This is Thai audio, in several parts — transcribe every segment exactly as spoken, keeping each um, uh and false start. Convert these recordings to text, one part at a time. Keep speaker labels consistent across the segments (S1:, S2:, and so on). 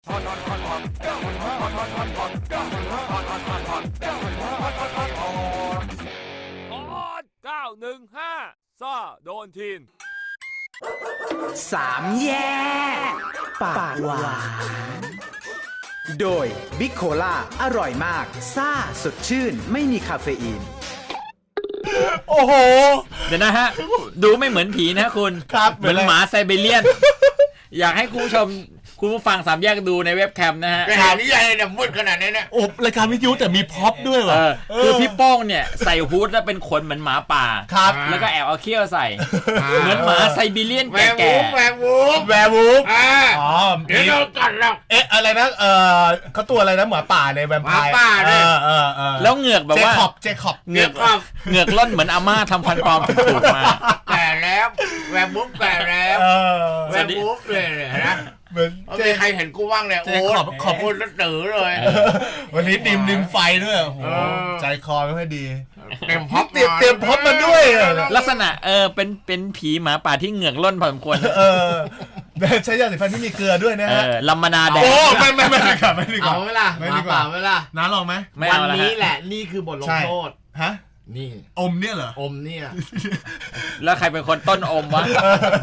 S1: เก้าหนึ่งห้าซ่าโดนทีน
S2: สามแยกปากหวานโดยบิ๊กโคล่าอร่อยมากซ่าสดชื่นไม่มีคาเฟอีน
S3: โอ้โห
S4: เดี๋ยวนะฮะดูไม่เหมือนผีนะคุณเหมือนหมาไซบีเรียนอยากให้คุณผู้ชมคุณผู้ฟังสามแยกดูในเว็บแคมนะฮะ
S3: ข่าวนี้ใหญ่เนี่ยมืดขนาดนี้เนี่ยโอ้รายการวิทยุแต่มีพ็อปด้วยว่ะ
S4: คือพี่โป้งเนี่ยใส่ฮู้ดแล้วเป็นขนเหมือนหมาป่า
S3: ครับ
S4: แล้วก็แอบเอาเขี้ยวใส่เหมือนหมาไซบีเรียนแก่
S3: แวร์วูฟแวร์วูฟอ๋อเดี๋ยวเรากัดแล้วเอ๊ะอะไรนะเออเขาตัวอะไรนะหมาป่าเลยแวมไพร์หมาป่าเนี่ยเออเออ
S4: แล้วเหงือกแบบว่า
S3: เจคอบเจคอบ
S4: เหงือกเหงือกล่นเหมือนอาม่าทำฟันปลอมถูกมา
S3: แก่แล้วแวร์วูฟแก่แล้วแวร์วูฟเลยนะเหมือนเจใครเห็นกูว่างเนี่ยโอ้ขอบขอบคุณแล้วตื่นเลยวันนี้ดิมดิมไฟด้วยโอ้โหใจคอไม่ค่อยดีเตรียมพ็อปเตรียมเตรียมพ็อปมาด้วย
S4: ลักษณะเออเป็นเป็นผีหมาป่าที่เหงือกล่นพอสมควร
S3: เออใช้ยาสีฟันที่มีเกลือด้วยนะฮะ
S4: ลำมนาแดง
S3: โอ้ไม่ไม่ไม่ดีกว่าไม่ดีกว่า
S5: เอาไหมล่ะหมาป่าไหมล่ะ
S3: น้าลองไหม
S5: วันนี้แหละนี่คือบทลงโทษ
S3: ฮะ
S5: นี่
S3: อมเนี่ยเหรอ
S5: อมเนี่ย
S4: แล้วใครเป็นคนต้นอมวะ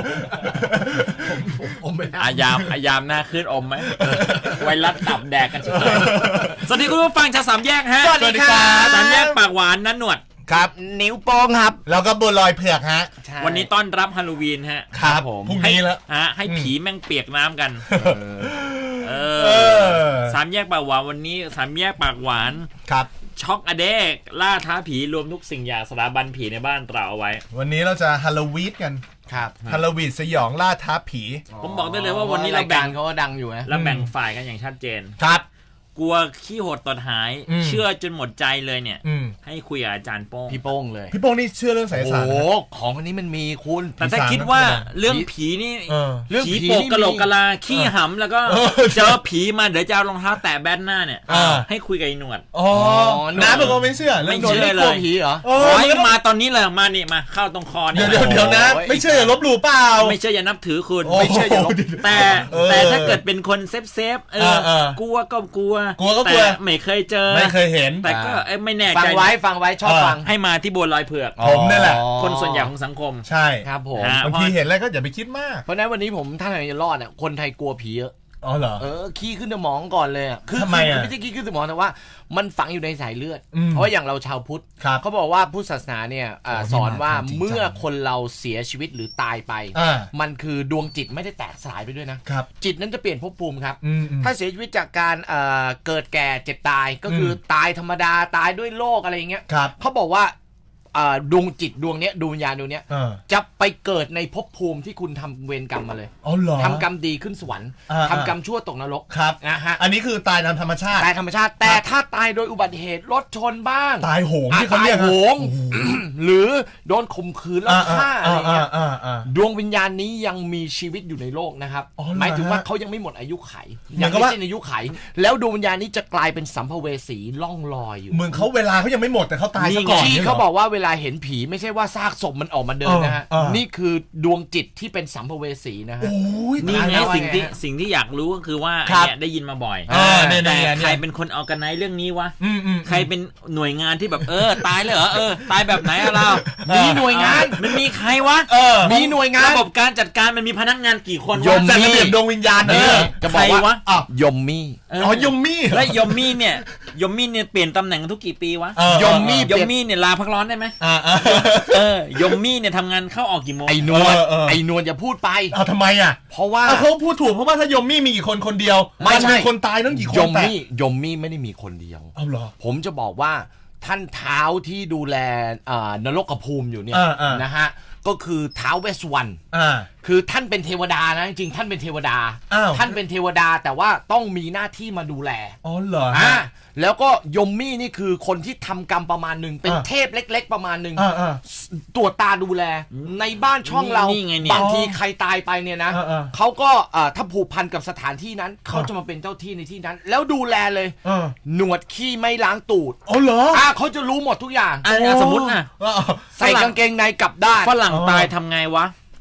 S5: อมไม่ได้
S4: อายามอายามหน้าขึ้นอมไหมไวรัสตับแดกกันเฉยสวัสดีคุณผู้ฟังชาวสามแยกฮะ
S3: สวัสดีครับ
S4: สามแยกปากหวานนั้นหนวด
S3: ครับ
S5: นิ้วโป้งครับ
S3: แล้วก็บัวลอยเผือกฮะ
S4: วันนี้ต้อนรับฮาโลวีนฮะ
S3: ครับผมพรุ่งนี้แล้ว
S4: ฮะให้ผีแม่งเปียกน้ำกันเออสามแยกปากหวานวันนี้สามแยกปากหวาน
S3: ครับ
S4: ช็อกอเดกล่าท้าผีรวมทุกสิ่งอย่างสถาบันผีในบ้านเราเอาไว้
S3: วันนี้เราจะฮาโลวีนกัน
S5: ครับ
S3: ฮาโลวีนสยองล่าท้าผี
S4: ผมบอกได้เลยว่าวันนี้เราแบ่ง
S5: เขาก็ดังอยู่นะ
S4: เราแบ่งฝ่ายกันอย่างชัดเจน
S3: ครับ
S4: กลัวขี้โหดตดหายเชื่อจนหมดใจเลยเนี่ยให้คุยกับอาจารย์โป้ง
S5: พี่โป้งเลย
S3: พี่โป้งนี่เชื่อเรื่องไสยศาสตร์
S5: โอ้ของคนนี้มันมีคุณ
S4: แต่ถ้าคิดว่าเรื่องผีนี่เรื่องผีโปกกะโหลกกะลาขี้หำแล้วก็เจอผีมาเดี๋ยวจะเอารองเท้าแตะแบนหน้าเนี่ยให้คุยกับไอ้หนวด
S3: อ๋อน้าเป็นคนไม่เชื่อ
S4: ไม่เชื่อเลย
S5: ผีเหรอ
S4: ขอให้มาตอนนี้เลยมานี่มาเข้าตรงคอนี่
S3: เดี๋ยวเดี๋ยวนะไม่เชื่ออย่าลบหลู่เปล่า
S4: ไม่เชื่ออย่านับถือคุณไม่เชื่ออย่าลบแต่แต่ถ้าเกิดเป็นคนเซฟเซฟเออกลัวก็กลัว
S3: กลัวก็กลัว
S4: ไม่เคยเจอ
S3: ไม่เคยเห็น
S4: แต่ก็ไม่แน่ใจ
S5: ฟังไว้ฟังไว้ชอบฟัง
S4: ให้มาที่บัวลอยเผือก
S3: ผมนี่แหละ
S4: คนส่วนใหญ่ของสังคม
S3: ใช่
S5: ครับผม
S3: บางทีเห็นอะไรก็อย่าไปคิดมาก
S5: เพราะนั้นวันนี้ผมท่านไหนจะรอดเนี่ยคนไทยกลัวผีเยอะ
S3: อ๋อเหรอ
S5: เออขี้ขึ้นสมองก่อนเลยอ่ะ
S3: คือทำไมอ่ะ
S5: ไม่ใช่ขี้ขึ้นสมองแต่ว่ามันฝังอยู่ในสายเลือดเพราะอย่างเราชาวพุทธเขาบอกว่าพุทธศาสนาเนี่ยสอนว่าเมื่อคนเราเสียชีวิตหรือตายไปมันคือดวงจิตไม่ได้แตกสลายไปด้วยนะจิตนั้นจะเปลี่ยนภพภูมิครับถ้าเสียชีวิตจากการเกิดแก่เจ็บตายก็คือตายธรรมดาตายด้วยโรคอะไรอย่างเงี้ยเขาบอกว่าดวงจิตดวงเนี้ยดวงวิญญาณดวงเนี้ยจะไปเกิดในภพภูมิที่คุณทำเวรกรรมมาเลยทำกรรมดีขึ้นสวรรค์ทำกรรมชั่วตกนรก
S3: ครับ
S5: นะฮะ
S3: อันนี้คือตายตามธรรมชาติ
S5: ตายธรรมชาติแต่ถ้าตายโดยอุบัติเหตุรถชนบ้าง
S3: ตายโหงที่เขาเรียก
S5: โหงหรือโดนข่มขืนแล้วฆ่าอะไรเงี้ยดวงวิญญาณนี้ยังมีชีวิตอยู่ในโลกนะครับหมายถึงว่าเขายังไม่หมดอายุไขยังไม่สิ้นอายุไขแล้วดวงวิญญาณนี้จะกลายเป็นสัมภเวสีล่องลอยอยู่
S3: เหมือนเขาเวลาเขายังไม่หมดแต่เขาตายซะก่อน
S5: ที่เขาบอกว่าเวลาเห็นผีไม่ใช่ว่าซากศพมันออกมาเดินนะฮะนี่คือดวงจิตที่เป็นสัมภเวสีนะฮะ
S4: นี่ไงสิ่งที่สิ่งที่อยากรู้ก็คือว่าเนี่ยได้ยินมาบ่อยแต่ใครเป็นคนออร์แกไนซ์เรื่องนี้วะใครเป็นหน่วยงานที่แบบเออตายเลยเหรอเออตายแบบไหนอะเรา
S5: มีหน่วยงาน
S4: มันมีใครวะ
S5: มีหน่วยงาน
S4: ระบบการจัดการมันมีพนักงานกี่คน
S3: วะจัดระเบียบดวงวิญญาณเนี่ย
S5: จะบอกว่ายมมี่
S3: อ๋อยมมี่
S4: และยมมี่เนี่ยยมมี่เนี่ยเปลี่ยนตำแหน่งทุกกี่ปีวะ
S5: ยมมี่
S4: ยมมี่เนี่ยลาพักร้อนได้ไหมเออยมมี่เนี่ยทำงานเข้าออกกี่โมง
S5: ไอ้นวลไอ้นวลอย่าพูดไป
S3: เอาทำไมอ่ะ
S5: เพราะว่า
S3: เขาพูดถูกเพราะว่าถ้ายมมี่มีกี่คนคนเดียว
S5: ไม่ใช่
S3: คนตายต้องกี่คน
S5: ยมมี่ยมมี่ไม่ได้มีคนเดียว
S3: เอาเหรอ
S5: ผมจะบอกว่าท่านเท้าที่ดูแลนรกภูมิอยู่เนี่ยนะฮะก็คือเท้าเวสวรรณคือท่านเป็นเทวดานะจริงๆท่านเป็นเทวดาท่านเป็นเทวดาแต่ว่าต้องมีหน้าที่มาดูแล
S3: อ๋อเหรอ
S5: อ่าแล้วก็ยมมี่นี่คือคนที่ทำกรรมประมาณหนึ่งเป็นเทพเล็กๆประมาณหนึ่งตรวจตาดูแลในบ้านช่องเราบางทีใครตายไปเนี่ยนะเขาก็ถ้าผูกพันกับสถานที่นั้นเขาจะมาเป็นเจ้าที่ในที่นั้นแล้วดูแลเลยหนวดขี้ไม่ล้างตูด
S3: อ๋อเหรอ
S5: อ่าเขาจะรู้หมดทุกอย่าง
S4: สมมตินะ
S5: ใส่กางเกงในกลับด้าน
S4: ฝรั่งตายทำไงวะ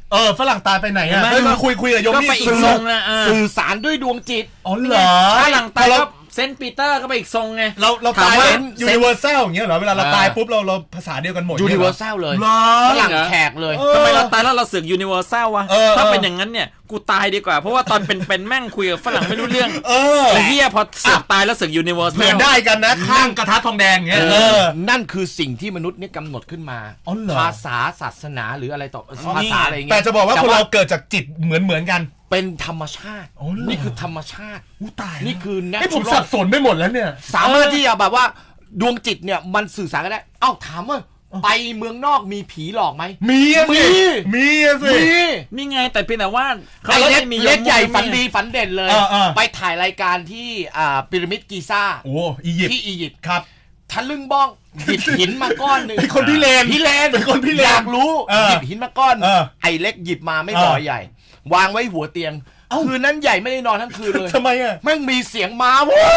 S3: เออฝรั่งตายไปไหนอ่ะไม่คุยคุยกับโยมนี่
S5: สื่อสารด้วยดวงจิต
S3: อ๋อเหรอ
S4: ฝรั่งตายก็เซนต์ปีเตอร์ก็ไปอีกทรงไง
S3: เราเราตายเป็นยูนิเวอร์แซลอย่างเงี้ยเหรอเวลาเราตายปุ๊บเราเราภาษาเดียวกันหมด
S5: ยูนิเวอร์แซลเลยฝรั่งแขกเลย
S4: ทำไมเราตายแล้วเราเสือกยูนิเวอร์แซลวะถ้าเป็นอย่างนั้นเนี่ยกูตายดีกว่าเพราะว่าตอนเป็นเป็นแม่งคุยกับฝรั่งไม่รู้เรื่องเออไอ้เหี้ยพอเสือกตายแล้วเสือกยูนิเวอร์แซลเหมือน
S3: ได้กันนะข้างกระทะทองแดงเงี้ย
S5: นั่นคือสิ่งที่มนุษย์เนี่ยกำหนดขึ้นมาภาษาศาสนาหรืออะไรต่อภาษาอะไรเงี้ย
S3: แต่จะบอกว่าคนเราเกิดจากจิตเหมือนเหมือนกัน
S5: เป็นธรรมชาตินี่คือธรรมชาติ
S3: อู้ตาย
S5: นี่คือ
S3: แนทให้ผมสับสนไปหมดแล้วเนี่ย
S5: สามารถที่จะแบบว่าดวงจิตเนี่ยมันสื่อสารกันได้เอ้าถามว่าไปเมืองนอกมีผีหลอกไหม
S3: มีมีมีสิ
S4: นี่ไงแต่เพียงแต่ว่า
S5: เขาเล็กเล็กใหญ่ฝันดีฝันเด่นเลยไปถ่ายรายการที่อ่าพีระมิดกิซ่า
S3: โอ้อียิปต์
S5: ที่อียิปต์
S3: ครับ
S5: ทะลึ่งบ้องหยิบหินมาก้อนหนึ่ง
S3: เป็นคนพี่เลน
S5: พี่เลน
S3: เป็นคนพี่เลน
S5: อยากรู้หยิบหินมาก้อนไอ้เล็กหยิบมาไม่บ่อยใหญ่วางไว้หัวเตียงคืนนั้นใหญ่ไม่ได้นอนทั้งคืนเลย
S3: ทำไมอ่ะ
S5: แม่งมีเสียงม้า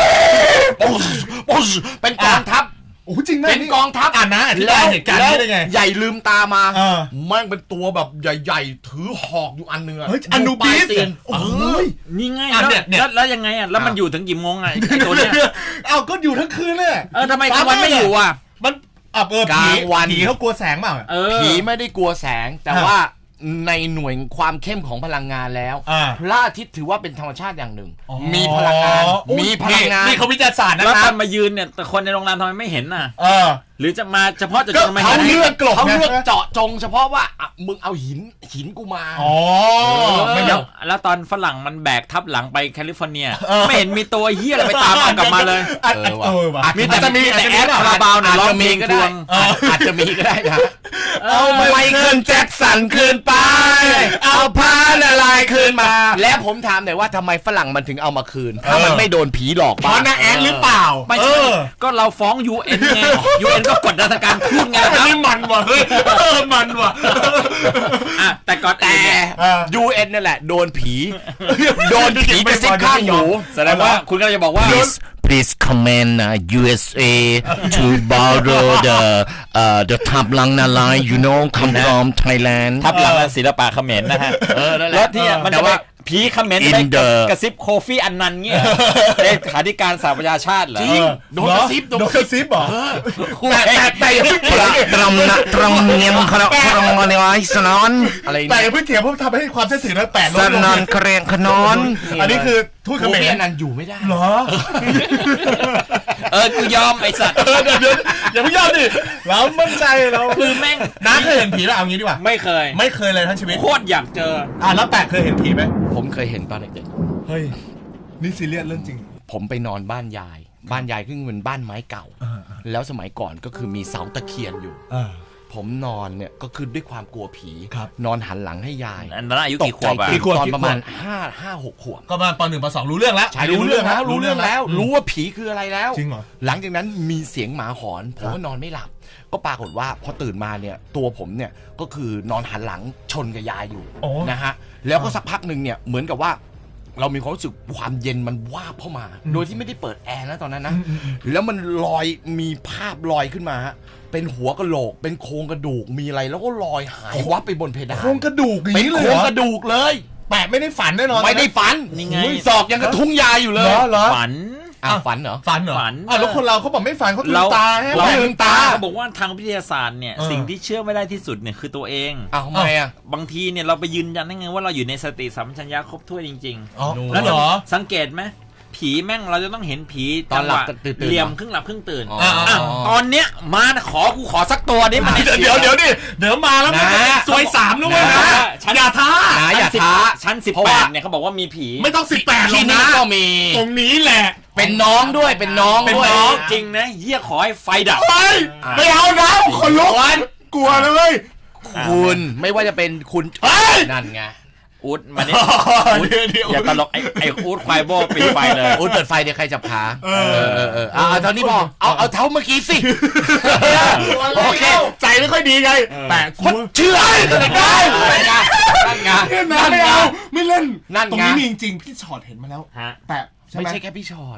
S5: เป็นกองทัพ
S3: โอ้จริงไหม
S5: เป็นกองทัพ
S3: อ่านนะอธิบายเหตุการณ์นี้ได้ไง
S5: ใหญ่ลืมตามาแม่งเป็นตัวแบบใหญ่ๆถือหอกอยู่อันนึง
S3: เฮ้ยอนูบิส
S4: โอ้ยนี่ไงแล้วแล้วยังไงอ่ะแล้วมันอยู่ถึงกี่โมงอ่ะไอ้ตัวเนี้ย
S3: เอ้าก็อยู่ทั้งคืนเลย
S4: เออทำไมกลางวันไม่อยู่อ่ะ
S3: มันอ่ะเออผีผีเขากลัวแสงเปล่า
S5: ผีไม่ได้กลัวแสงแต่ว่าในหน่วยความเข้มของพลังงานแล้วพระอาทิตย์ถือว่าเป็นธรรมชาติอย่างหนึ่งมีพลังงานมีพลังงาน
S3: นี่เขาวิทยาศาสตร์นะ
S4: ครับ
S3: แล้ว
S4: ตอนมายืนเนี่ยแต่คนในโรงแรมทำไมไม่เห็นน่ะหรือจะมาเฉพาะจะจงมา
S5: เห็นเขาเลือกเขาเลือกเจาะจงเฉพาะว่ามึงเอาหินหินกูมา
S3: อ๋อ
S4: ไม่แล้วแล้วตอนฝรั่งมันแบกทับหลังไปแคลิฟอร์เนียไม่เห็นมีตัวเหี้ยอะไรไปตามมันกลับมาเลย
S3: เออว่ะ
S5: มีแต่มีแต่แอดคาราบาวเนี่ยร้องเพลงก็ได้อาจจะมีก็ได้นะเอาไมเคิลแจ็คสันคืนไปเอาผ้าละลายคืนมาแล้วผมถามหน่อยว่าทำไมฝรั่งมันถึงเอามาคืนถ้ามันไม่โดนผีหลอก
S3: บ้างเพราะน่าแอดหรือเปล่า
S4: ไม่ใช่ก็เราฟ้อง ยู เอ็น ไง ยู เอ็น ก็กดดันการพูดไง
S3: ครับนี่มันว่ะเฮ้ยมันว่ะ
S4: อ่ะแต่ก่อน
S5: แต่ ยู เอ็น นั่นแหละโดนผีโดนผีไปซิกข้างหู
S4: แสดงว่าคุณก็จะบอกว่า
S5: Please command uh, ยู เอส เอ to borrow the uh, the ทับหลังนาลาย you know come from Thailand
S4: ทับหลังศิลปะเขมรนะฮะแล้วที่มันจะว่าผีเขมรไปกระซิบโคฟี่อันนันเงี้ยเลขาธิการสหประชาชาติเหรอ
S5: จริงโดนกระซิบ
S3: โดนกระซิบเหรอ
S5: แต่แต่อย่าเพิ่งเถียงตรมนะตรมเงียมขนมขนมอะไรวะสนอน
S3: อะไรแต่อย่าเพิ่งเถียงเพราะทำให้ความเชื่อถือนั้นแปดลดลง
S5: สนอนเครียงขนอน
S3: อันนี้คือทูตเขมร
S5: นันอยู่ไม่ได้
S3: เหรอ
S4: เออกูยอมไอ้สัตว์
S3: เดี๋ยวเดี๋ยวอย่าเพิ่งยอมดิเรามั่นใจเรา
S4: คือแม่ง
S3: น้าเคยเห็นผีแล้วเอางี้ดีกว่า
S4: ไม่เคย
S3: ไม่เคยเลยทั้งชีวิต
S4: โคตรอยากเจอ
S3: อ่ะแล้วแปะเคยเห็นผีไหม
S5: ผมเคยเห็นตอนเด็ก
S3: ๆเฮ้ยนี่ซีเรียสเรื่องจริง
S5: ผมไปนอนบ้านยายบ้านยายซึ่งเป็นบ้านไม้เก่าแล้วสมัยก่อนก็คือมีเสาตะเคียนอยู่ผมนอนเนี่ยก็คือด้วยความกลัวผีนอนหันหลังให้ยาย
S4: อันนั้นอายุกี่ขวบ
S5: ตอนประมาณห้า ห้า หกขวบ
S3: ก็ประมาณป.หนึ่ง ป.สองรู้เรื่องแล้ว
S5: ใช่รู้เรื่องแล้วรู้เรื่องแล้วรู้ว่าผีคืออะไรแล้ว
S3: จริงเหรอ
S5: หลังจากนั้นมีเสียงหมาหอนผมก็นอนไม่หลับก็ปรากฏว่าพอตื่นมาเนี่ยตัวผมเนี่ยก็คือนอนหันหลังชนกับยายอยู่นะฮะแล้วก็สักพักหนึ่งเนี่ยเหมือนกับว่าเรามีความรู้สึกความเย็นมันวาบเข้ามาโดยที่ไม่ได้เปิดแอร์นะตอนนั้นนะแล้วมันลอยมีภาพลอยขึ้นมาฮะเป็นหัวกะโหลกเป็นโครงกระดูกมีอะไรแล้วก็ลอยหายวับไปบนเพดาน
S3: โครงกระดูก
S5: เป็นโครงกระดูกเลย
S3: แปะไม่ได้ฝันแน่นอน
S5: ไม่ได้ฝัน
S4: นี่ไง
S5: ศอกยังกระทุ้งยาอยู่เลย
S4: ฝัน
S5: อ่ะฝันเหรอ
S3: ฝันเหรอฝันอ่ะแล้วคนเราเขาบอกไม่ฝันเขาลืมตาให้
S4: เราลืมตาเขาบอกว่าทางวิทยาศาสตร์เนี่ยสิ่งที่เชื่อไม่ได้ที่สุดเนี่ยคือตัวเอง
S5: อ้าวทำไมอ่ะ
S4: บางทีเนี่ยเราไปยืนยันได้ไงว่าเราอยู่ในสติสัมปชัญญะครบถ้วนจริง
S3: ๆแล้วเหรอ
S4: สังเกตไหมผีแม่งเราจะต้องเห็นผีตอนหลับเหลี่ยมครึ่งหลับครึ่งตื่นตอนเนี้ยมาขอกูขอสักตัวนี้มัน
S3: เดี๋ยวเดี๋ยวดิเดี๋ยวมาแล้วนะซวยสามแล้วนะอย่าท้า
S5: อย่าท้า
S4: ชั้นสิบแปดเนี่ยเขาบอกว่ามีผี
S3: ไม่ต้องสิบแปดหรอกนะ
S5: ก็มี
S3: ตรงนี้แหละ
S5: เป็นน้องด้วยเป็นน้อง
S4: เป็นน้องจริงนะเหี้ยขอให้ไฟดับ
S3: ไม่เอานะคนลุกกลัวเลย
S5: คุณไม่ว่าจะเป็นคุณนั่นไง
S4: อูดมาเนี่ยอย่าตลกไอ้ไอ้อูดควายโบปิดไฟเลย
S5: อูดเปิดไฟเดี๋ยวใครจับขาเออเออเออเอาเท่านี้พอเอาเอาเท่าเมื่อกี้สิโอเค
S3: ใจไม่ค่อยดีไงแต่
S5: คุณเชื่อได้นั่นไง
S3: นั่นไงไม่เอาไม่เล่น
S5: นั่น
S3: ตรงนี้มีจริงๆพี่ชอดเห็นมาแล้ว
S5: แต่ไม่ใช่แค่พี่ชอด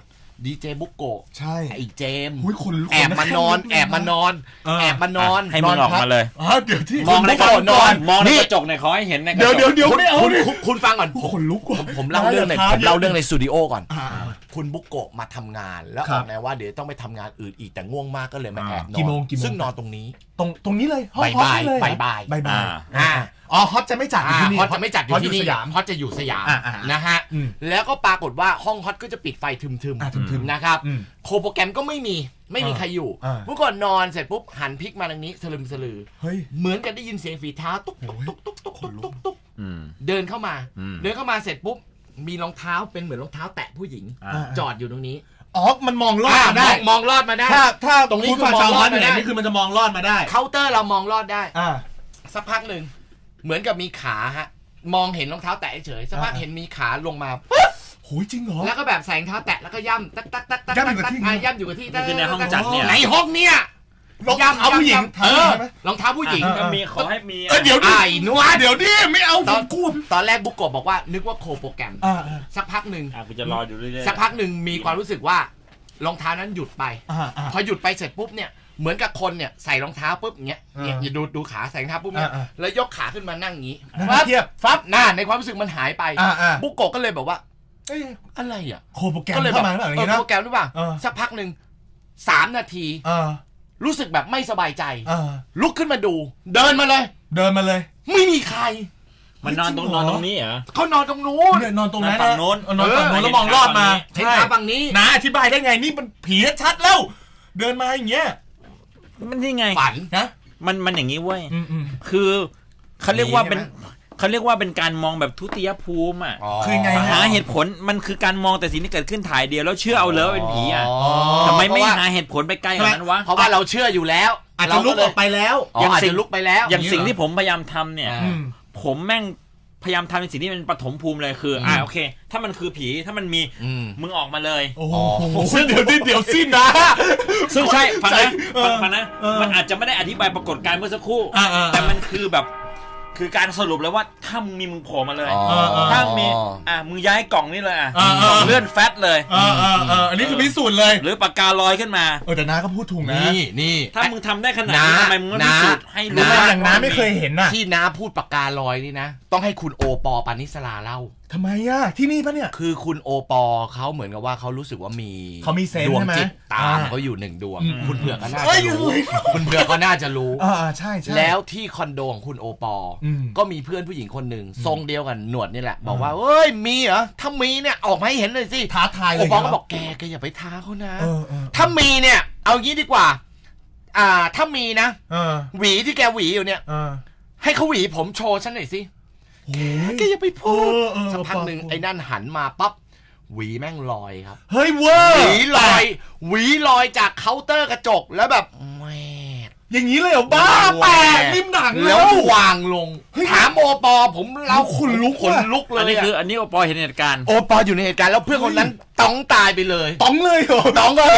S5: ดีเจบุกโกะ
S3: ใช่
S5: ไอ้เจม
S3: หุ้ยคนลุก
S5: แอบมานอนแอบมานอนแอบมานอน
S4: ให้มึงออกมาเลย
S3: อ๋อเดี๋ยวที่
S4: มองในกระจก
S5: นอน
S4: มองในกระจกในขอให้เห็นในกระจ
S3: เดี๋ยว
S4: ก
S3: เดี๋ยวเดี๋ยวไม่เอา
S5: คุณ
S3: ดิ
S5: คุณคุณฟังก่อน
S3: คนลุกว่ะ
S5: ผมเล่าเรื่องในผมเล่าเรื่องในสตูดิโอก่อน
S3: อ่า
S5: คุณบุกโกะมาทำงานแล้ว
S3: ค
S5: อ
S3: รั
S5: อบ กแนวว่าเดี๋ยวต้องไปทำงานอื่นอีกแต่ง่วงมากก็เลยมาแอบนอน
S3: กี่โมงกี่โมง
S5: ซึ่งนอนตรงนี้
S3: ตรงตรงนี้เลยห้อง
S5: บ่าย
S3: ฮอตนี่เลย
S5: บ่ายบ่าย
S3: บ่ายบ่าย
S5: อ่า
S3: อ๋อฮอตจะไม่จัดอยู่ที่นี่
S5: ฮอตจะไม่จัดอยู่ที่นี่
S3: ฮตสยาม
S5: ฮอตจะอยู่สยาม
S3: อ่าอ่า
S5: นะฮะ
S3: อืม
S5: แล้วก็ปรากฏว่าห้องฮอตก็จะปิดไฟทึม
S3: อ่าทึม
S5: ๆ
S3: ๆ
S5: นะครับ
S3: อืม
S5: โคโปรแกรมก็ไม่มีไม่มี
S3: อ่า
S5: ใครอยู่
S3: อ่า
S5: เมื่อก่อนนอนเสร็จปุ๊บหันพลิกมาทางนี้สลึมสลือ
S3: เฮ้ย
S5: เหมือนกันได้ยินเสียงฝีเท้าตุ๊กตุ๊กตุ๊กตุ๊กตุ๊กตุ๊กตุ๊กตุ๊ก
S4: อืม
S5: เดินเข้ามา
S4: อืม
S5: เดินเข้ามาเสร็จปุ๊บมีรองเท้าเป็นเหมือนรองเท้าแตะผู้หญิง
S4: อ่า
S5: จอดอยู่ตรงนี้
S3: อ๋อมันมองลอดมาได้
S5: มองมองลอดมาได้
S3: ถ้าถ้า
S5: ตรงนี้
S3: คุณ
S5: คือ
S3: ฟัง
S5: มอง
S3: ชาว
S5: ล
S3: ฮ
S5: อ
S3: อ
S5: ด
S3: ต
S5: มา
S3: ไหน
S5: ได้
S3: นี่คือมันจะมองลอดมาได้
S5: เคาน์เตอร์เรามองลอดได้
S3: อ่า
S5: สักพักหนึ่งเหมือนกับมีขาฮะมองเห็นรองเท้าแตะเฉยสักพัก
S3: อ่า
S5: เห็นมีขาลงมาปุ๊บ
S3: โหยจริงเหรอ
S5: แล้วก็แบบใส่รองเท้าแตะแล้วก็ย่ำตักตักตักตัก
S3: ย่ำอยู่กับที่
S5: อ่ะย่ำอยู่กับที่
S4: นี่คือในห้องจัดเนี่ย
S5: ในห้องเนี่ย
S3: รองเท้าผู้หญิง
S5: เออ
S3: ใช่ไหม
S5: รองเท้าผู้หญิง
S3: อ่า
S4: ก็มีขอให้มี
S3: เออเดี๋ยวดิ
S5: ไอ้นวด
S3: เดี๋ยวดิไม่เอา
S5: ต
S3: ผ
S5: อน
S3: มกลัว
S5: ตอนแรกบุกโกะบอกว่านึกว่าโคโปรแกรม
S3: อ่าอ่า
S5: สักพักหนึ่ง
S4: อ่ะกูจะรออยู่เรื่อยๆ
S5: สักพักหนึ่งมีความรู้สึกว่ารองเท้านั้นหยุดไป
S3: อ่าอ่า
S5: พอหยุดไปเสร็จปุ๊บเนี่ยเหมือนกับคนเนี่ยใส่รองเท้าปุ๊บอย่างเงี้ยเนี่ย
S3: อ่า
S5: อย่าดูดูขาใส่รองเท้าปุ๊บเนี่ย
S3: อ่า
S5: แล้วยกขาขึ้นมานั่งอย่างงี้
S3: นั่ง
S5: ปั๊บ
S3: เทียบ
S5: ฟับหน้าในความรู้สึกมันหายไป
S3: อ่าอ่า
S5: บุกโกะก็เลยบอกว่า
S3: เอ้ย
S5: อะไรอ่ะ
S3: โคโปรแกรม
S5: ก็เลย
S3: เข้ามาหรือเปล่าอย่าง
S5: เออ
S3: งี้นะ
S5: โปรแกรมหรือเปล่า
S3: เออ
S5: สักพักหนึ่งสามนาที
S3: อ่า
S5: รู้สึกแบบไม่สบายใจ
S3: อ่า
S5: ลุกขึ้นมาดู เดินมาเลย
S3: เดินมาเลย
S5: ไม่มีใคร
S4: มันนอนตรงนอนตรงนี้เหรอ
S5: เขานอนตรงนู้น
S3: เนี่ยนอนตรงนั้น
S4: นอนฝั่งโน้น
S3: เออนอนฝั่งโน้นแล้วมองลอดมา
S5: เห็นขาฝั่งนี้
S3: นะอธิบายได้ไงนี่มันผีชัดแล้ว เดินมาอย่างเงี้ย
S4: มันนี่ไง
S5: ฝัน
S3: นะ
S4: มันมันอย่างนี้เว้ย
S3: อืมอืม
S4: คือเขาเรียกว่าเป็น
S5: ใช่ไหม
S4: เขาเรียกว่าเป็นการมองแบบทุติยภูมิอ่ะ
S3: คือไง
S4: หา
S3: ฮะ
S4: เหตุผลมันคือการมองแต่สิ่งที่เกิดขึ้นถ่ายเดียวแล้วเชื่อเอาเลยว่าเป็นผีอ่ะ
S5: อ๋อ
S4: ทำไมไม่
S5: เพราะว่า
S4: หาเหตุผลไปไกลกว่านั้นวะ
S5: เพราะว่าเราเชื่ออยู่แล้ว
S3: อาจจะลุกออกไปแล้ว
S5: อ๋ออาจจะลุกไปแล้ว
S4: อย่างสิ่งที่ผมพยายามทำเนี่ย
S5: อ่า
S3: อืม
S4: ผมแม่งพยายามทำในสิ่งที่เป็นปฐมภูมิเลยคืออ่าโอเค ถ้ามันคือผีถ้ามันมี
S5: อืม
S4: มึงออกมาเลย
S3: โอ้โห
S4: ซึ่ง
S3: เดี๋ยวดิเดี๋ยวสิ้นนะ
S4: ซึ่งใช่ฟังนะ
S3: เออ
S4: ฟังฟังนะ
S3: เออ
S4: มันอาจจะไม่ได้อธิบายปรากฏการณ์เมื่อสักครู่
S3: อ่าอ่า
S4: แต่มันคือแบบ คือการสรุปเลยว่าถ้ามึงมีมึงโผล่มาเลย
S5: อ๋อ
S4: ถ้ามีอ่ะมึงย้ายกล่องนี่เลยอ่ะ
S3: อ่าอ่า
S4: กล่องเลื่อนแฟตเลย
S3: เออเออเอออันนี้คือพิสูจน์เลย
S4: หรือปากกาลอยขึ้นมา
S3: เออแต่น้าก็พูดถูกนะ
S5: นี่นี่
S4: ถ้ามึงทำได้ขนาด
S5: น้า
S4: นี้ทำไมมึงไม่พิสูจน์ให้รู้
S3: รู้ไหม
S4: ว่า
S3: อย่างน้าไม่เคยเห็นน่ะ
S5: ที่น้าพูดปากกาลอยนี่นะ ต้องให้คุณโอปอปานิสลาเล่า
S3: ทำไมอ่ะที่นี่ปะเนี่ย
S5: คือคุณโอปอเขาเหมือนกับว่าเขารู้สึกว่ามี
S3: เขามีเซนส์
S5: ดวง
S3: ใช่ไหม
S5: จิตตาม
S3: อ่า
S5: เขาอยู่หนึ่งดวง
S3: อืม
S5: คุณเผือกก็น่า
S3: เอ้
S5: จะ
S3: ย
S5: รู้ คุณเผือกก็น่าจะรู้
S3: อ่าอ่าใช่ใช่
S5: แล้วที่คอนโดของคุณโอปออ
S3: ม
S5: ก็มีเพื่อนผู้หญิงคนหนึ่งทรงเดียวกันหนวดนี่แหละ บอกว่าเอ้ยมีเหรอถ้ามีเนี่ยออกมาให้เห็นเลยสิ
S3: ท้าทายเล
S5: โอย ปอ
S3: เหร
S5: ก็บอกแกแกอย่าไปท้าเขานะ
S3: เออเออ
S5: ถ้ามีเนี่ย เอางี้ดีกว่า อ่า ถ้ามีนะ
S3: เออ
S5: หวีที่แกหวีอยู่เนี่ย
S3: เออ
S5: ให้เขาหวีผมโชว์ฉันหน่อยสิ
S3: โอ้ย
S5: แกอย่าไปพูด
S3: เออเออ
S5: สักพักหนึ่ง
S3: ปอ
S5: ไอ้นั่นหันมาปั๊บหวีแม่งลอยครับ
S3: เฮ้ยเวอ
S5: ห
S3: ร์
S5: วีลอยหวีลอยจากเคาน์เตอร์กระจกแล้วแบบแหวด
S3: อย่างนี้เลยเหรอบ้าแปลกนิ่มหนัง
S5: แล้ววางลง
S3: เฮ้ย
S5: ถามโอปอผมเรา
S3: ขนลุก
S5: ขนลุกเล
S4: อัน
S5: ย
S4: นี้คือ
S5: อะ
S4: อันนี้โอปอเห็นเหตุการณ์
S5: โอปออยู่ในเหตุการณ์แล้วเพื่อนคนนั้นต้องตายไปเลย
S3: ต้องเลยเหรอ
S5: ต้องก็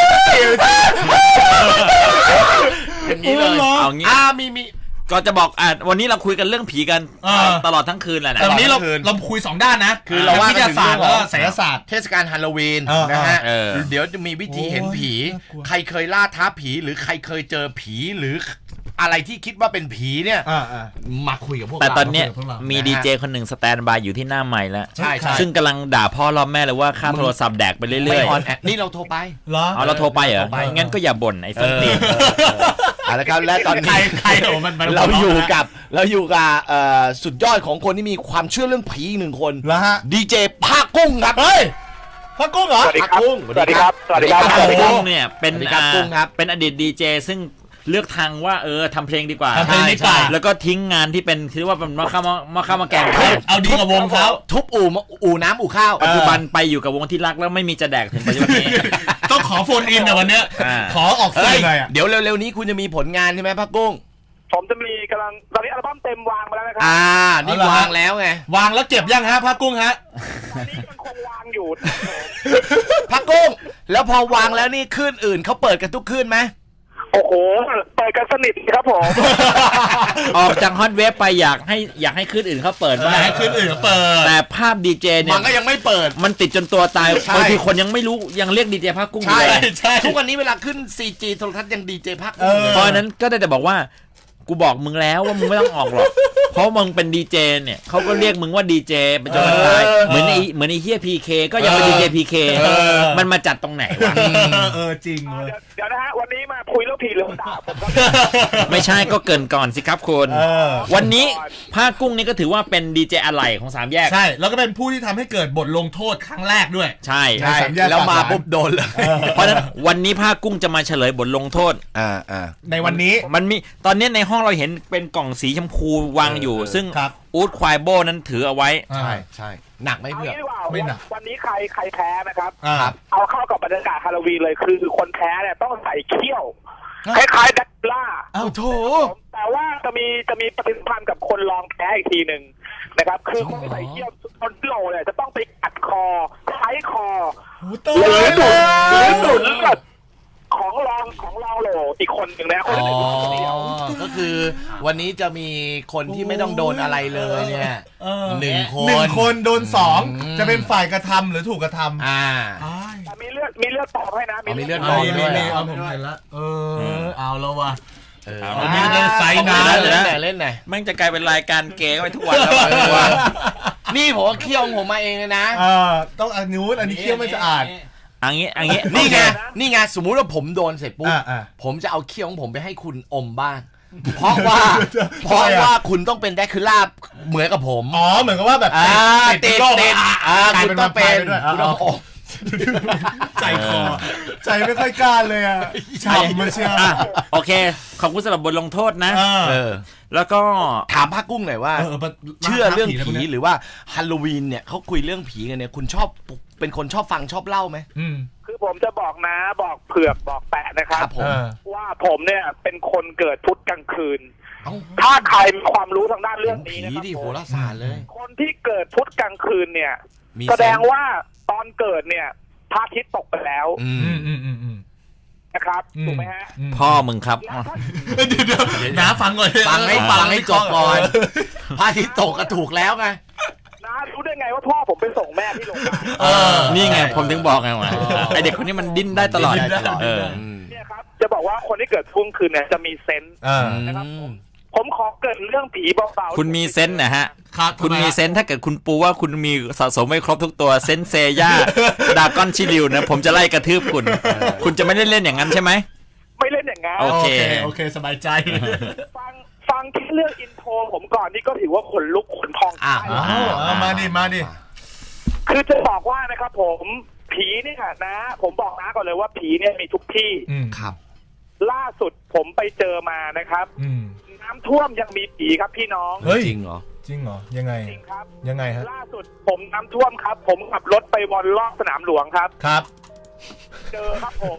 S5: อย่างนี้เลย
S3: เออเหรอ
S4: เอางี้
S5: อ่ามีมี
S4: ก็จะบอกอ่ะวันนี้เราคุยกันเรื่องผีกัน
S3: เออ
S4: ตลอดทั้งคืนแหละนะ
S3: แต่วันนี้เรา
S5: คืน
S3: เราคุยสองด้านนะ
S5: คือเราว่า
S3: วิทยาศาสตร์
S5: กันถึงเรื่อง
S3: แล้วก็ไสยศาสตร์
S5: เทศกาลฮาโลวีน
S3: เออ
S5: นะฮะ
S4: เออ
S5: เดี๋ยวจะมีวิธีเห็นผี
S3: โอ้ยน่ากลัว
S5: ใครเคยล่าท้าผีหรือใครเคยเจอผีหรืออะไรที่คิดว่าเป็นผีเนี่ย
S3: อ่าอ่า
S5: มาคุยกับพวก
S4: แต่
S5: เรา
S4: ตอนเนี้ย
S3: พวกเรามี
S4: มีดีเจคนหนึ่งสแตนบายอยู่ที่หน้าใหม่แล้ว
S5: ใช่ใช่
S4: ซึ่งกำลังด่าพ่อรอบแม่เลยว่าค่าโทรศัพท์แดกไปเรื่
S5: ไม่
S4: อย
S5: ออนแอร์นี่เราโทรไป
S3: เหรอ
S4: ๆเอาเราโทรไปเหรอ
S5: โทรไป
S4: งั้นก็อย่าบ่นไอ้ส้นตีน
S5: เอาละครับและตอน
S3: ใคร
S5: นี้
S3: ใครโอ้มันมัน
S5: เราอยู่กับเราอยู่กับเอ่อสุดยอดของคนที่มีความเชื่อเรื่องผีอีกหนึ่งคน
S3: แล้วฮะ
S5: ดีเจภาคกุ้งครับ
S3: เฮ้ยพ่อกุ้งเหรอ
S6: สวัสดี
S5: ภาค
S6: ครับ
S5: กุ้ง
S6: สวัสดีครับ สวัสดีครับ
S5: สวัสดีครับ
S4: กุ้งเนี่ยเป็น
S5: สวัสดีครับ
S4: อ่า
S5: กุ้งครับ
S4: เป็นอดีตดีเจซึ่งเลือกทางว่าเออทำเพลงดีกว่า
S3: ทำเพลงดีกว่า
S4: แล้วก็ทิ้งงานที่เป็นคือว่าเป็นมะข้าวมะข้าวมะแกง
S3: เอาดีกับวงเขา
S5: ทุบอู่อู่น้ำอู่ข้าว
S4: ปัจจุบันไปอยู่กับวงที่รักแล้วไม่มีจะแดกถึงปัจจุบันนี้
S3: ต้องขอโฟนอินนะวันเนี้ย
S4: อ่า
S3: ขอออก
S5: เฮ้
S3: สื่
S5: ย
S3: อหน่อยอ่ะ
S5: เดี๋ยวเร็วๆนี้คุณจะมีผลงานใช่ไหมภาคกุ้ง
S6: ผมจะมีกำลังตอนนี้อัลบั้มเต็มวางมาแล้วนะครั
S5: อ่า นี่วางแล้วไง
S3: วางแล้วเก็บยังฮะพ่อกุ้งฮะ
S6: ตอนนี้มันคงวางอยู่
S5: ภาคกุ้ง แล้วพอวางแล้วนี่คลื่นอื่นเขาเปิดกันทุกคลื่นไหม
S6: โอ้โห เปิปิดกันสนิทครับผม
S4: ออกจากฮอตเวฟไปอยากให้อยากให้คลื่นอื่นเขาเปิดบ้าง
S3: ให้คลื่นอื่นเขาเปิด
S4: แต่ภาพดีเจเนี่ย
S5: มันก็ยังไม่เปิด
S4: มันติดจนตัวตายบางทีคนยังไม่รู้ยังเรียกดีเจภาคกุ้งอยู่เลย
S5: ทุกวันนี้เวลาขึ้น ซี จี โทรทัศน์ยังดีเจภาคกุ้ง
S4: เพราะนั้นก็ได้แต่บอกว่ากูบอกมึงแล้วว่ามึงไม่ต้องออกหรอกเพราะมึงเป็นดีเจเนี่ยเขาก็เรียกมึงว่าดีเจเป็นจนตายเหมือนไอ้เหมือนไอ้เฮียพีเคก็ยังเป็นดีเจพีเคมันมาจัดตรงไหนวะ
S3: เออจริงเลย
S6: เดี๋ยวนะฮะวันนี้มาคุยเรื่องผีเรื่องด่าผมก็
S4: ไม่ใช่ก็เกินก่อนสิครับคุณวันนี้ภาคกุ้งนี่ก็ถือว่าเป็นดีเจอะไหล่ของสามแยก
S3: ใช่แล้วก็เป็นผู้ที่ทำให้เกิดบทลงโทษครั้งแรกด้วย
S4: ใช่
S5: แล้วมาปุ๊บโดนเลย
S4: เพราะฉะนั้นวันนี้ภาคกุ้งจะมาเฉลยบทลงโทษ
S3: อ่าอ่าในวันนี้
S4: มันมีตอนนี้ในห้องเราเห็นเป็นกล่องสีชมพูวางอยู่ซึ่งอู๊ดควายโบนั้นถือเอาไว้
S3: ใช่ใช่
S5: หนักไหมเพื่อน
S6: ไม่หนักวันนี้ใครใครแพ้นะครับเอาเข้ากับบรรยากาศฮาโลวีนเลยคือคนแพ้เนี่ยต้องใส่เขี้ยวคล้ายๆดักล่า
S3: อ้าวโถ
S6: แต่ว่าจะมีจะมีปฏิสัมพันธ์กับคนลองแพ้อีกทีหนึ่งนะครับคือคนใส่เขี้ยวคนโลเนี่ยจะต้องไปกัดคอใช้คอหรือดูดหรือดูดเลือดของรองของรองโหลอีกคนหนึ่งนะคนเดียว
S5: ก็คือวันนี้จะมีคนที่ไม่ต้องโดนอะไรเลยเนี่ยหนึ่งคน
S3: หนึ่งคนโดนสองจะเป็นฝ่ายกระทำหรือถูกกระทำ
S5: อ่า
S6: มีเลือดมีเลือดตอบให้นะ
S5: มีเลือดตอบด้วย
S3: เอาผมเห็นแล้วเออเอาแล้วว่ะ
S5: เออ
S3: วันนี้จะไซน์นะ
S5: เล่นไหนเล่นไหน
S4: แม่งจะกลายเป็นรายการเกย์ไปทุกวันแล้ว
S5: นี่ผมเคี่ยวผมมาเองเลยนะ
S3: เออต้องอันนู้นอันนี้เคี่ยวไม่สะอาด
S4: อันนี้อันนี้
S5: นี่ไงนี่ไงสมมุติว่าผมโดนเสร็จปุ๊บผมจะเอาเขี้ยวของผมไปให้คุณอมบ้างเพราะว่าเพราะว่าคุณต้องเป็นแดกคูล่าเหมือนกับผม
S3: อ๋อเหมือนกับว่าแบบ
S5: ติดติดคุณต้องเป็นคุณต้องอม
S3: ใจคอใจไม่ค่อยกล้าเลยอ่ะฉ่ำมาเชียว
S4: โอเคขอบคุณสำหรับบทลงโทษนะแล้วก็
S5: ถามภาคกุ้งหน่อยว่าเชื่อเรื่องผีหรือว่าฮาโลวีนเนี่ยเขาคุยเรื่องผีกันเนี่ยคุณชอบเป็นคนชอบฟังชอบเล่าไหม
S6: คือผมจะบอกนะบอกเผือกบอกแปะนะครับว่าผมเนี่ยเป็นคนเกิดพุธกลางคืนถ้าใครมีความรู้ทางด้านเรื่องนี้นะครับ
S5: ผีดิโหราศาสตร์เลย
S6: คนที่เกิดพุธกลางคืนเนี่ยแสดงว่าตอนเกิดเนี่ยพระอาทิตย์ตกไปแล้วนะครับถูกไหมฮะ
S4: พ่อมึงครับ
S3: เดี๋ยวเดี๋ยวน้าฟังก่อน
S5: ฟังให้ฟังให้จบก่อนพระอาทิตย์ตกก็ถูกแล้วไง
S6: น้ารู้ได้ไงว่าพ่อผมไปส่งแม่ที่โรงพยาบาล
S4: นี่ไงผมถึงบอกไงว่าไอเด็กคนนี้มันดิ้นได้ตลอด
S6: เนี่ยครับจะบอกว่าคนที่เกิดช่วงคืนเนี่ยจะมีเซนส์นะครับผมขอเกิดเรื่องผีเบา
S4: ๆคุณมีเซนส์นะฮะคุณมีเซนส์ถ้าเกิดคุณปูว่าคุณมีสะสมไม่ครบทุกตัวเซนเซย่าดากอนชิลิวนะผมจะไล่กระทืบคุณคุณจะไม่ได้เล่นอย่างนั้นใช่ไหม
S6: ไม่เล่นอย่างนั้น
S4: โอเค
S3: โอเคสบายใจ
S6: ฟังฟังแค่เรื่องอินโทรผมก่อนนี่ก็ถือว่าขนลุกขนพอง
S3: อ่ามาดิมาดิ
S6: คือจะบอกว่านะครับผมผีเนี่ยนะผมบอกนะก่อนเลยว่าผีเนี่ยมีทุกที่
S3: ครับ
S6: ล่าสุดผมไปเจอมานะครับน้ำท่วมยังมีผีครับพี่น้อง
S3: จริงเหรอจริงเหรอยังไง
S6: จริงครับ
S3: ยังไงฮะ
S6: ล่าสุดผมน้ำท่วมครับผมขับรถไปวนรอบสนามหลวงครับ
S3: ครับ
S6: เจอครับผม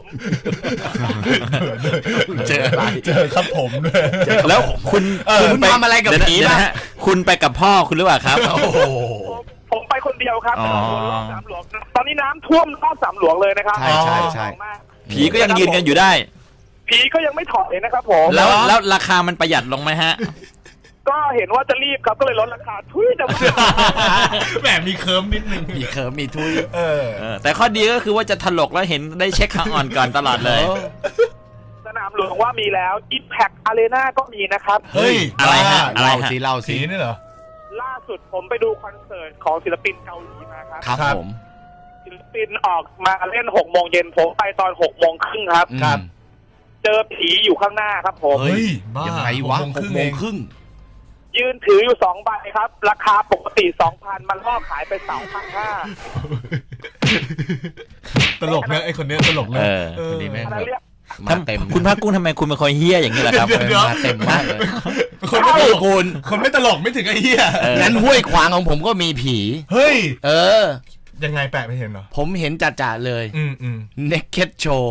S3: เจออะไรเจอครับผมด้วย
S4: แล้วคุณ
S5: คุณทำอะไรกับผีนะฮะ
S4: คุณไปกับพ่อคุณหรือเปล่าครับ
S6: โอ้โหผมไปคนเดียวครับรอบสนามหลวงตอนนี้น้ำท่วมรอบสนามหลวงเลยนะครับ
S3: ใช่ใช่ใช่
S4: ผีก็ยังยืนกันอยู่ได้
S6: ผีก็ยังไม่ถอดเลยนะครับผม
S4: แล้วแล้วราคามันประหยัดลงไหมฮะ
S6: ก็เห็นว่าจะรีบครับก็เลยลดราคาทุยจะ
S3: แหมมีเคิร์มนิดนึง
S5: มีเคิร์มมีทุย
S3: เออ
S4: แต่ข้อดีก็คือว่าจะถลกแล้วเห็นได้เช็คขาอ่อนก่อนตลอดเลย
S6: สนามหลวงว่ามีแล้ว Impact Arena ก็มีนะครับ
S3: เฮ้ย
S4: อะไรฮะอะไรฮะ
S5: สีเล่าสี
S3: นี่เหรอ
S6: ล่าสุดผมไปดูคอนเสิร์ตของศิลปินเกาหลีมาครับ
S5: ครับผม
S6: ศิลปินออกมาเล่นหกโมงเย็นผมไปตอนหกโมงครึ่งครับ
S3: ครับ
S6: เจอผีอยู่ข้างหน้าครับผม
S3: เฮ้ย
S5: ยังไงวะหกโมงครึ่ง
S6: ยืนถืออยู่สองใบครับราคาปกติ สองพัน มันล่อขายไป สองพันห้าร้อย
S3: ตลกนะไอ้คนนี้ตลกนะ
S4: เออ
S5: ดีแม่ง
S4: มาเต็มคุณภาคกุ้งทำไมคุณเป็นคนเฮี้ยอย่างนี้ล่ะครับ
S5: มาเต็มมากเลย
S3: คนไม่ตลกคุณคนไม่ตลกไม่ถึงไอ้เฮี้ย
S5: งั้นห้วยขวางของผมก็มีผี
S3: เฮ้ย
S5: เออ
S3: ยังไงแปะไม่เห็นเหรอ
S5: ผมเห็นจ่าๆเลย
S3: อืมอืม
S5: Naked Show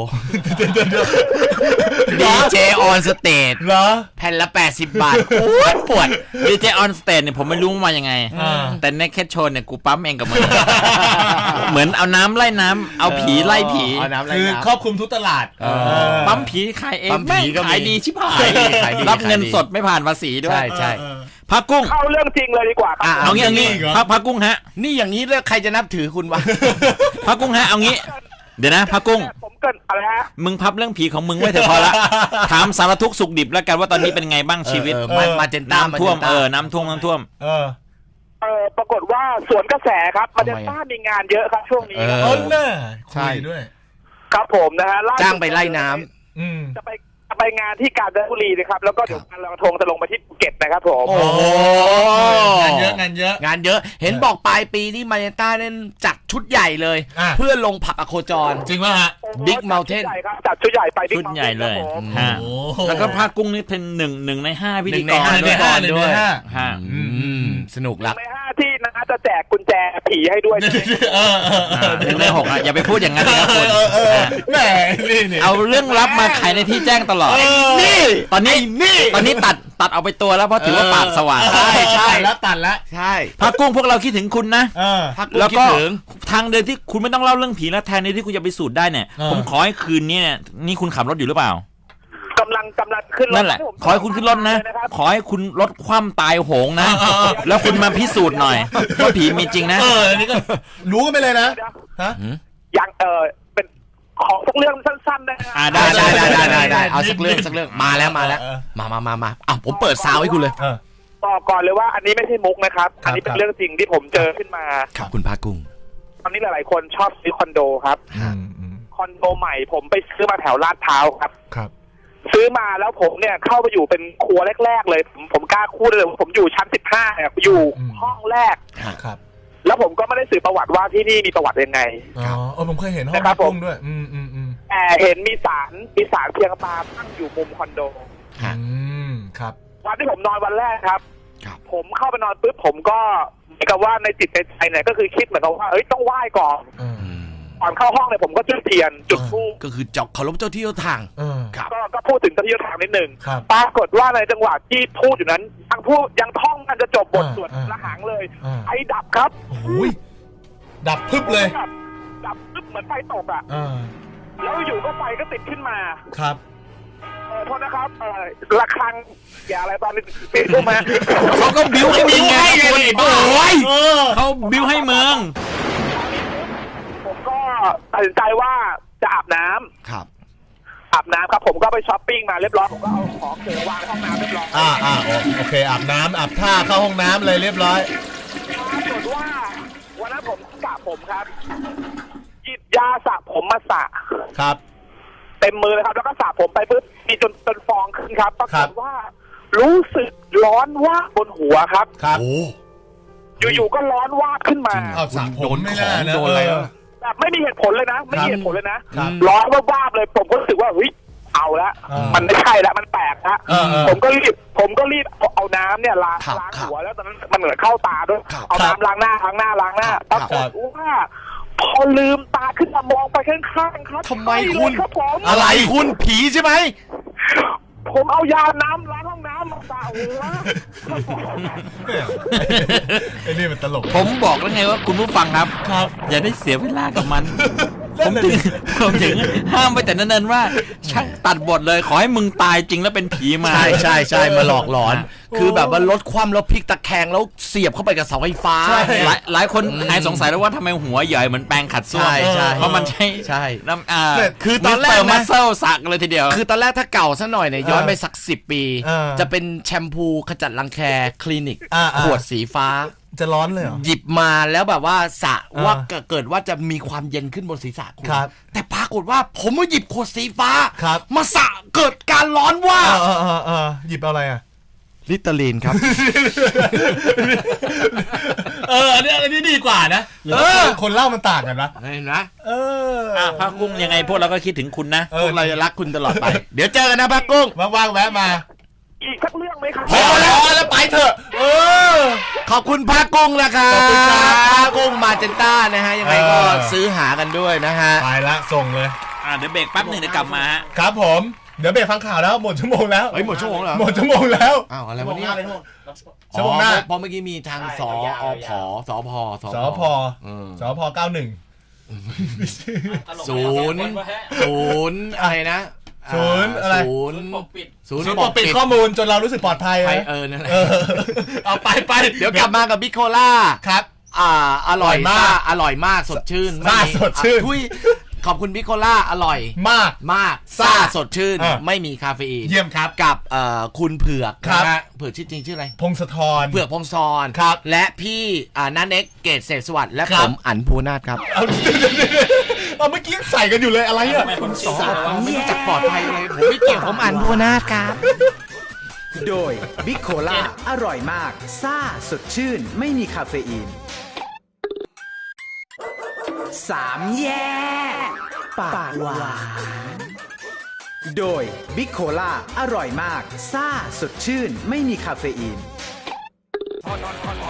S5: ดี เจ on stage
S3: เหรอ
S5: แผ่นละแปดสิบบาทปวดปวด
S4: ดี เจ on stage เนี่ยผมไม่รู้มายังไงแต่ Naked Show เนี่ยกูปั๊มเองกับมึงเหมือนเอาน้ำไล่น้ำเอาผีไล่ผี
S3: คือครอบคลุมทุกตลาด
S4: ปั๊มผีขายเองแม่งขายดีชิบหายรับเงินสดไม่ผ่านภาษีด้วย
S5: ใช่ใช่
S4: พักกุ้ง
S6: เข้าเรื่องจริงเลยดีกว่าครับ
S4: เอางี้เอางี้พักพักกุ้งฮะ
S5: นี่อย่างนี้แล้วใครจะนับถือคุณวะ
S4: พักกุ้งฮะเอางี้เดี๋ยวนะพักกุ้ง
S6: ผมเกินอะไรฮะ
S4: มึงพับเรื่องผีของมึงไว้เถอะพอละถามสารทุกข์สุขดิบแล้วกันว่าตอนนี้เป็นไงบ้างชีวิต
S5: มาเจนต้า
S4: น้ำท่วมเออน้ำท่วมน้ำท่วม
S3: เออ
S6: เออปรากฏว่าสวนกระแสครับมาเจนต้ามีงานเยอะครับช่วงนี้
S3: เออน่าใช่ด้วย
S6: ครับผมนะฮะ
S5: จ้างไปไล่น้
S6: ำอืมจะไปไปงานที่กาญจนบุรีนะครับแล้วก็เดี๋ยวงานลอยกระทงจะลงไปที่ภูเก็ตนะครับผม
S5: โอ้
S3: งานเยอะงานเยอะ
S5: งานเยอะเห็นบอกปลายปีที่มาเนต้าเล่นจัดชุดใหญ่เลยเพื่อลงผักอโคจร
S3: จริงป่ะฮะ
S5: บิ๊กเมลเทน
S6: จัดชุดใหญ่ไป
S4: ชุดใหญ่เลยฮะแล้วก็ภาคกุ้งนี่เป็นหนึ่งหนึ่งในห้าพิธีกร
S5: ด้วยฮะสนุกละ
S6: ในห้าที่นะจะแจกกุญแจผีให้ด้วย
S4: หนึ่งในหกอ่ะอย่าไปพูดอย่างนั้นนะครับคุณ
S3: แหมนี่
S4: เอาเรื่องลับมาขายในที่แจ้งตลอดนี่ตอนนี้นี่ตอนนี้ตัดตัดเอาไปตัวแล้วเพราะถือว่าปากสว่าง
S5: ใช่ใช่
S3: แล้วตัดแล้ว
S5: ใช่
S4: พักกุ้งพวกเราคิดถึงคุณนะ
S5: แล้วก็
S4: ทางเดินที่คุณไม่ต้องเล่าเรื่องผีแล้วแทนที่คุณจะไปสูตรได้เนี่ยผมขอให้คืนนี้เนี่ยนี่คุณขับรถอยู่หรือเปล่าก
S6: ำลังกำลังขึ้นรถ
S4: นั่นแหละขอให้คุณขึ้นรถนะขอให้คุณลดความตายโหงนะแล้วคุณมาพิสูจน์หน่อยว่าผีมีจริงนะ
S3: เอออันนี้ก็รู้กันไปเลยนะฮะ
S6: ยังเออเป็นขอสักเรื่องสั้นๆได้
S4: อ่าได้
S5: ได้ได้ได้ได้เอาสักเรื่องสักเรื่องมาแล้วมาแล้วมามามามาอ่ะผมเปิดซาวให้คุณเลย
S6: บอกก่อนเลยว่าอันนี้ไม่ใช่มุกนะครับอันนี้เป็นเรื่องจริงที่ผมเจอขึ้นมา
S5: ครับคุณภาคกุ้ง
S6: ตอนนี้หลายๆคนชอบซื้อคอนโดครับคอนโดใหม่ผมไปซื้อมาแถวลาดพร้าวครับ
S3: ครับ
S6: ซื้อมาแล้วผมเนี่ยเข้าไปอยู่เป็นครัวแรกๆเลยผมผมกล้าพูดเลยผมอยู่ชั้นสิบห้าเนี่ยอยู่ห้องแรก
S3: ครับ
S6: แล้วผมก็ไม่ได้สืบประวัติว่าที่นี่มีประวัติยังไง
S3: อ๋อเออผมเคยเห็นห้องพักกุ้งด้วยอืมอืมอืม
S6: แต่เห็นมีศาลมีศาลเพียงตาตั้งอยู่มุมคอนโด
S3: อืมครับ
S6: วันที่ผมนอนวันแรกครับผมเข้าไปนอนปุ๊บผมก็เหมือนกับว่าในจิตในใจเนี่ยก็คือคิดเหมือนกับว่าเฮ้ยต้องไหว้ก่อนก่อนเข้าห้องเนี่ยผมก็จุดเทียนจุดธูป
S5: ก็คือจอกเคารพเจ้าที่เจ้าทาง
S6: ก็ก็พูดถึงเจ้าที่เจ้าทางนิดนึงปรากฏว่าในจังหวะที่พูดอยู่นั้นยังพูดยังท่องกันจะจบบทสวดละหังเลยไฟดับครับ
S3: โอ้ยดับพึบเลย
S6: ดับพึบเหมือนไฟตกอ่ะแล้วอยู่ก็ไฟก็ติดขึ้นมา
S3: ครับ
S6: เออโทษนะครับเออระฆังอย่าอะไรตอนนี้ติดขึ้นมา
S4: เขาก็บิ้วให้มึงไงคุณโอ้ยเขาบิ้วให้มึง
S6: ผมก็ตัดสินใจว่าจะอาบน้
S5: ำครับ
S6: อาบน้ำครับผมก็ไปช้อปปิ้งมาเรียบร้อยผมก็เอาของเสริมวางในห้องน้ำเรียบร้อย
S3: อ่าอ่าโอเคอาบน้ำอาบท่าเข้าห้องน้ำเลยเรียบร้อย
S6: ปรากฏว่าวันนั้นผมสระผมครับหยิบยาสระผมมาสระ
S3: ครับ
S6: เต็มมือเลยครับแล้วก็สระผมไปปุ๊บมีจนจนฟองขึ้นครับปรากฏว่ารู้สึกร้อนวาบบนหัวครับ
S3: ครับ
S6: อยู่ๆก็ร้อนวาบขึ้นมา
S3: เอาสระผมไม่น่านะโดนอะไร
S6: แบบไม่มีเหตุผลเลยนะไม่มีเหตุผลเลยนะร้อนวาบเลยผมก็รู้สึกว่าเฮ้ยเอาละมันไม่ใช่แล้วมันแปลกละผมก็รีบผมก็รีบเอาน้ำเนี่ยล้างล้างหัวแล้วตอนนั้นมันเหมือนเข้าตาด้วยเอาน้ำล้างหน้าล้างหน้าล้างหน้าปรากฏว่าพอลืมตาขึ้นมามองไปข้างๆครับ
S5: ทำไมคุณอะไรคุณผีใช่ไหม
S6: ผมเอายาน้ำล้างห้องน้ำมาสระหัว
S3: ไอ้นี่มันตลก
S4: ผมบอกแล้วไงว่าคุณผู้ฟังครับครับอย่าได้เสียเวลากับมันผมถึงผมถึงห้ามไปแต่นั้นๆว่าช่างตัดบทเลยขอให้มึงตายจริงแล้วเป็นผีมา
S5: ใช่ใช่ใช่มาหลอกหลอนคือแบบว่าลดความแล้วพลิกตะแคงแล้วเสียบเข้าไปกับเสาไฟฟ้า
S4: หลายหลายคนหายสงสัยแล้วว่าทำไมหัวใหญ่เหมือนแปรงขัดส้วมเพราะมันใช่
S5: ใช่
S4: น้ำอ่า
S5: คือตอนแรก
S4: มัสเซลสักเลยทีเดียว
S5: คือตอนแรกถ้าเก่าซะหน่อยเนี่ยย้อนไปสักสิบปีจะเป็นแชมพูขจัดรังแคคลินิกขวดสีฟ้า
S3: จะร้อนเลยเหรอ
S5: หยิบมาแล้วแบบว่าสระว่าเกิดว่าจะมีความเย็นขึ้นบนศีรษะคุณแต่ปรากฏว่าผมมาหยิบขวดสีฟ้ามาสระเกิดการร้อนว่า
S3: เออเออเออหยิบอะไรอ่ะ
S5: ลิตาลีนครับ
S3: เอออันนี้อันนี้ดีกว่านะเออคนเล่ามันต่างกันนะ
S5: เห็นไหม
S3: เออ
S4: อ่ะพักกุ้งยังไงพวกเราก็คิดถึงคุณนะ
S5: พวกเราจะรักคุณตลอดไปเดี๋ยวเจอกันนะพักกุ้ง
S3: ว่างๆแวะมา
S6: อีกสักเรื่องไหมไหมครับ
S3: พอแล้วแล้วไปเถอะเออ
S5: ขอบคุณพระกุ้งนะครับ
S3: ขอบคุณครับ
S5: พระกุ้งมาเจนต้านะฮะยังไงก็ซื้อหากันด้วยนะฮะ
S3: ไปละส่งเลย
S4: อ่าเดี๋ยวเบรกแป๊บหนึ่งเดี๋ยวกลับมาฮะ
S3: ครับผมเดี๋ยวเบรกฟังข่าวแล้วหมดชั่วโมงแล้ว
S5: เฮ้ยหมดชั่วโมงเหรอ
S3: หมดชั่วโมงแล้ว
S5: อ้าวอะไรวะเนี่ย
S3: ชั่วโมงหน้า
S5: เพราะเมื่อกี้มีทางสออพสพ
S3: สพ
S5: อืม
S3: สพเก้าหนึ่ง
S5: ศูนย์ศูนย์อะไรนะ
S3: ศูนย์อะไร
S5: ศูนย์ศูนย์
S3: ศูนย์ปกปิดข้อมูลจนเรารู้สึกปลอดภัย
S5: ไป
S3: นะ
S5: เออนั่นแหละ
S3: เออเอาไปไป
S5: เดี๋ยวกลับมากับบิ๊กโคล่า
S3: ครับ
S5: อ่าอร่อย
S3: อร่อยมาก
S5: ซ่อร่อยมากสดชื่น
S3: ซ่า
S5: ไม่มี
S3: สดชื่น
S5: อ่ะทุยขอบคุณบิ๊กโคล่าอร่อย
S3: มาก
S5: มากซ่า
S3: ซ่า
S5: สดชื่น
S3: อ่ะ
S5: ไม่มีคาเฟอีน
S3: เยี่ยมครับ
S5: กับเอ่อคุณเผือก
S3: ครับ
S5: นะฮะเผือกชื่อจริงชื่ออะไร
S3: พงศธร
S5: เผือกพงศร
S3: ครับ
S5: และพี่อ่านันเน็กเกตเศษสวัสดิ์และ
S3: ครั
S5: ผ
S3: บ
S5: มอั๋นภูนาถครับ
S3: เอาเอาเมื่อกี้ใส่กันอยู่เลยอะไรอ่ะ
S5: ไม่รู้จักปลอดภัยเลยผมไม่เกี่ยวผมอั๋นภูนาถครับ
S2: โดยบิ๊กโคล่าอร่อยมาก ซ่าสดชื่น ไม่มีคาเฟอีน สามแยกปากหวานโดยบิ๊กโคล่าอร่อยมาก ซ่าสดชื่น ไม่มีคาเฟอีน